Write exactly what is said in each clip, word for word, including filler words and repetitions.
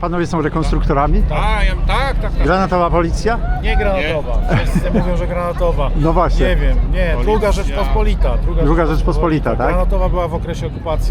panowie są rekonstruktorami? A, ja, tak, tak, tak. Granatowa policja? Nie granatowa. Wszyscy mówią, że granatowa. No właśnie. Nie wiem, nie, druga Rzeczpospolita. Druga, Druga Rzeczpospolita, tak? Granatowa była w okresie okupacji.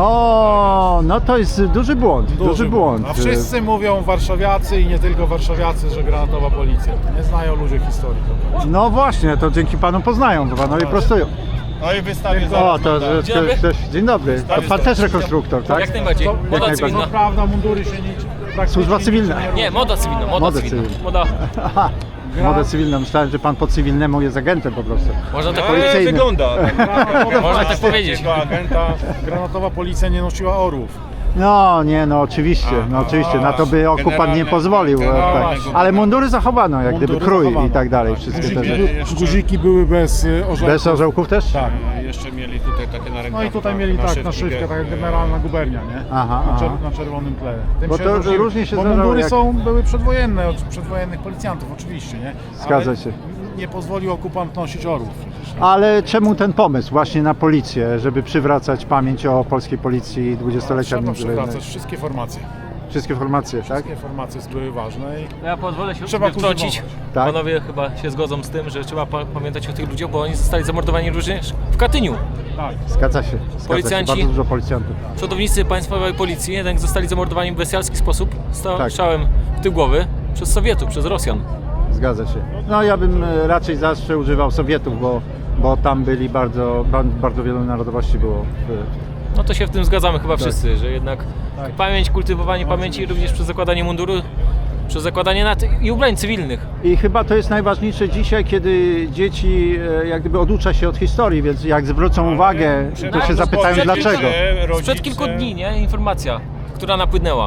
O, no to jest duży błąd, duży, duży błąd. A wszyscy mówią warszawiacy i nie tylko warszawiacy, że granatowa policja. Nie znają ludzie historii. No właśnie, to dzięki panu poznają, bo panowie prostują. No i wystawię O, zaraz. to, mandat. że, to, też, dzień dobry. To pan też rekonstruktor, tak? Jak najbardziej. To, Moda najbardziej. cywilna. to prawda, mundury się nie... praktycznie Służba nic cywilna. nie robi. Nie, moda cywilna, moda Moda cywilna. cywilna. Moda, Aha, modę cywilną. Myślałem, że pan po cywilnemu jest agentem po prostu. można tak No, powiedzieć. ale wygląda. Można tak powiedzieć. Tego agenta. Granatowa policja nie nosiła orłów. No nie, no oczywiście, no oczywiście, na to by okupant nie generalne- pozwolił, generalne- tak. Ale mundury zachowano, jak gdyby Mundury krój zachowano. i tak dalej, wszystkie te Guziki, rzeczy. by, Jeszcze- guziki były bez y, orzełków. Bez orzełków też? Tak. E, Jeszcze mieli tutaj takie na rękach. No i tutaj mieli tak naszywkę, tak jak generalna gubernia, nie? Aha, na, aha. czer- na czerwonym tle. Tym Bo się to różni- różnie się bo zdarzało, mundury jak- są, były przedwojenne, od przedwojennych policjantów oczywiście, nie? Zgadza Ale się. nie pozwolił okupant nosić orłów przecież. nie? Ale czemu ten pomysł właśnie na policję, żeby przywracać pamięć o polskiej policji dwudziestolecia Trzeba międzywojennego? przywracać wszystkie formacje. Wszystkie formacje, tak? Wszystkie formacje były ważne i Ja pozwolę się Trzeba trzeba wtrącić. kultywować. Tak? Panowie chyba się zgodzą z tym, że trzeba pa pamiętać o tych ludziach, bo oni zostali zamordowani również w Katyniu. tak. Zgadza się. Zgadza Policjanci- się. Bardzo dużo policjantów. Przodownicy państwowej policji jednak zostali zamordowani w bestialski sposób, Tak. strzałem w tył głowy przez Sowietów, przez Rosjan. Zgadza się. No ja bym e, raczej zawsze używał Sowietów, bo, bo tam byli bardzo, ba- bardzo wielu narodowości było. w- No to się w tym zgadzamy chyba Tak. wszyscy, że jednak pamięć, kultywowanie pamięci również przez zakładanie munduru, przez zakładanie nat i ubrań cywilnych. I chyba to jest najważniejsze dzisiaj, kiedy dzieci e, jak gdyby oducza się od historii, więc jak zwrócą uwagę, to się zapytają Przed- dlaczego. Sprzed kilku dni, nie? Informacja, która napłynęła.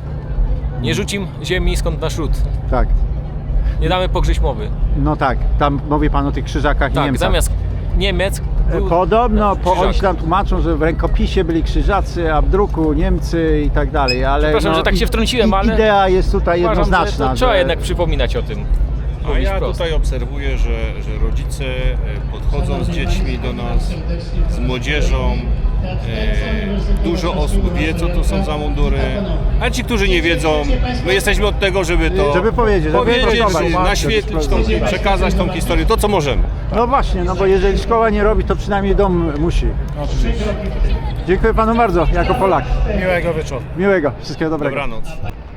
Nie rzucim ziemi skąd nasz ród. Tak. Nie damy pogrześć mowy. No tak, tam mówi pan o tych krzyżakach i Tak, Niemcach. zamiast Niemiec był Podobno po, krzyżak. oni się tam tłumaczą, że w rękopisie byli krzyżacy, a w druku Niemcy i tak dalej, ale Przepraszam, no, że tak się i- wtrąciłem, i- ale idea jest tutaj Uważam, że jednoznaczna. to trzeba że- jednak przypominać o tym. A Mówić ja wprost. tutaj obserwuję, że, że rodzice e, podchodzą z dziećmi do nas, z młodzieżą. E, dużo osób wie, co to są za mundury. A ci, którzy nie wiedzą, my jesteśmy od tego, żeby to Żeby powiedzieć, żeby powiedzieć, prostować. naświetlić, tą, przekazać tą historię, to co możemy. No właśnie, no bo jeżeli szkoła nie robi, to przynajmniej dom musi. Oczywiście. Dziękuję panu bardzo, jako Polak. Miłego wieczoru. Miłego, wszystkiego dobrego. Dobranoc.